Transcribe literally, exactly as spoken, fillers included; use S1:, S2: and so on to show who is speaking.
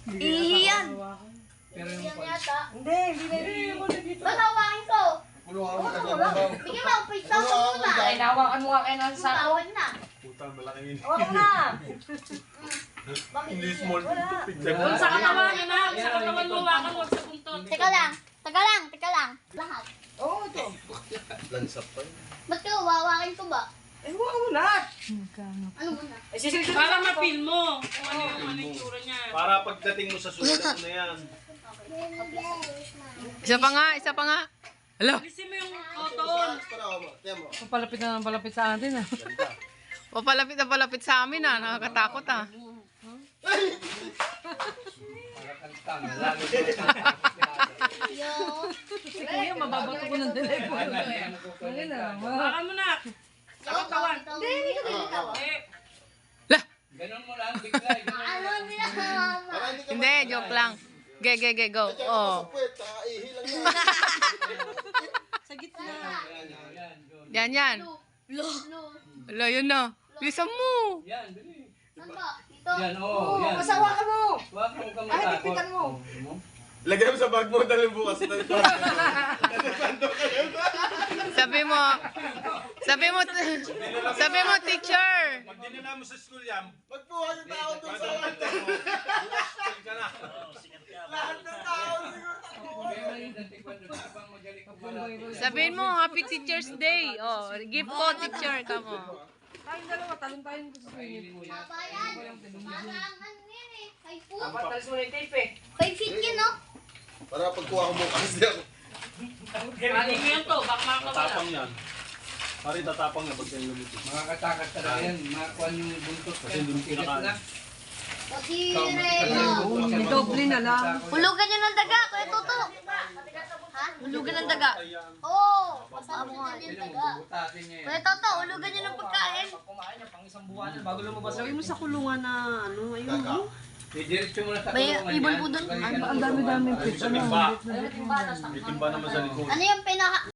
S1: Ihiyan.
S2: Pero yung
S1: Ihiyan yata.
S3: Hindi, hindi na hindi.
S1: Ba't hawakin ko?
S4: Kulungan mo tagal.
S1: Bigyan mo, pwede sa muna.
S3: Ay, nawakan mo nga kayo ng sako.
S1: Tawad na.
S4: Puta, malaki yun.
S3: Hawakan mo na.
S1: Bakit
S4: Hindi
S1: ihiyan?
S4: small
S1: Wala.
S4: picture.
S5: Kung sa katawan, yun na. Sa katawan mo, wakan mo sa buntot.
S1: Teka lang. Teka lang. Teka lang. Lahat.
S3: Oo, ito.
S4: Lansap pa yun.
S1: Ba't ko wawakin ko ba?
S3: Eh, hawakan mo na.
S1: Ano muna?
S3: Eh, sisilip
S5: Para mapil mo kung ano yung ano yung tsura niya.
S4: Para pagdating mo sa sulat mo na yan.
S6: Isa pa nga, isa pa nga. Hello.
S5: Alisin mo yung cotton.
S6: Papalapit na palapit sa atin ah. Papalapit na palapit sa amin ah. Nakakatakot ah.
S1: Yo.
S6: Si Kuya, mababato ko ng telepono. Ayun ah.
S5: Wakan mo na. Sa katawan.
S1: Hindi, hindi ko nilitaw.
S5: Eh,
S2: Ganun mo lang, bigla.
S1: Ano nila mama?
S6: Hindi, joke lang. Ge, ge, ge, go. Oh.
S3: sa gitna.
S6: Yan, yan.
S1: Lo. Lo.
S6: Wala, yun na. Bilisan mo.
S2: Yan, bili.
S1: Ano ba? Ito.
S2: Yan, oo.
S3: Oo,
S2: Yan.
S3: basta hawakan mo.
S2: Wag mo kang
S3: Ay,
S2: matakot.
S3: higpitan mo.
S4: Lagyan mo sa bag mo, dalhin bukas.
S6: Sabi mo, sabi mo, sabi mo, teacher.
S4: Pag dinala mo sa school yan, magbuha yung tao doon sa lantern mo. Bukas school ka na. Lahat ng tao
S6: Sabihin mo, Happy Teacher's Day. Oh, gift ko, teacher. Come on.
S3: Tayong dalawa, talong-tayon ko sa swimming pool.
S1: Babayan. Parang ano yan eh. Five foot.
S3: Dapat talis mo na yung tape eh.
S1: Five feet yun, no?
S4: Para pagkuha ko bukas yan.
S5: kanin mo yan to. Baka makakawala.
S4: Tatapang yan. Pari tatapang na pag kayo lumitis.
S2: Mga katakas talaga yan. Makakuha yung buntot.
S4: Kasi hindi mo kinakain.
S1: Pati Remo.
S6: Idoble na lang.
S1: Hulugan nyo ng daga, Kuya Toto. Ha?
S6: Hulugan ng daga.
S1: Oo. Basta mo nga yung daga.
S2: Butasin niya yan.
S1: Kuya Toto, hulugan nyo ng pagkain.
S3: Pag kumain niya, pang isang buwan na, bago lumabas. Lagay mo sa kulungan na ano, ayun mo.
S2: Didiretso mo na sa
S1: May
S2: kulungan
S1: ibon
S2: yan.
S1: po dun.
S2: Balikan
S6: Ang dami-dami
S2: mo.
S6: pizza
S4: Timba.
S3: Ayun, yung balas.
S4: May timba naman sa likod.
S1: Ano yung pinaka...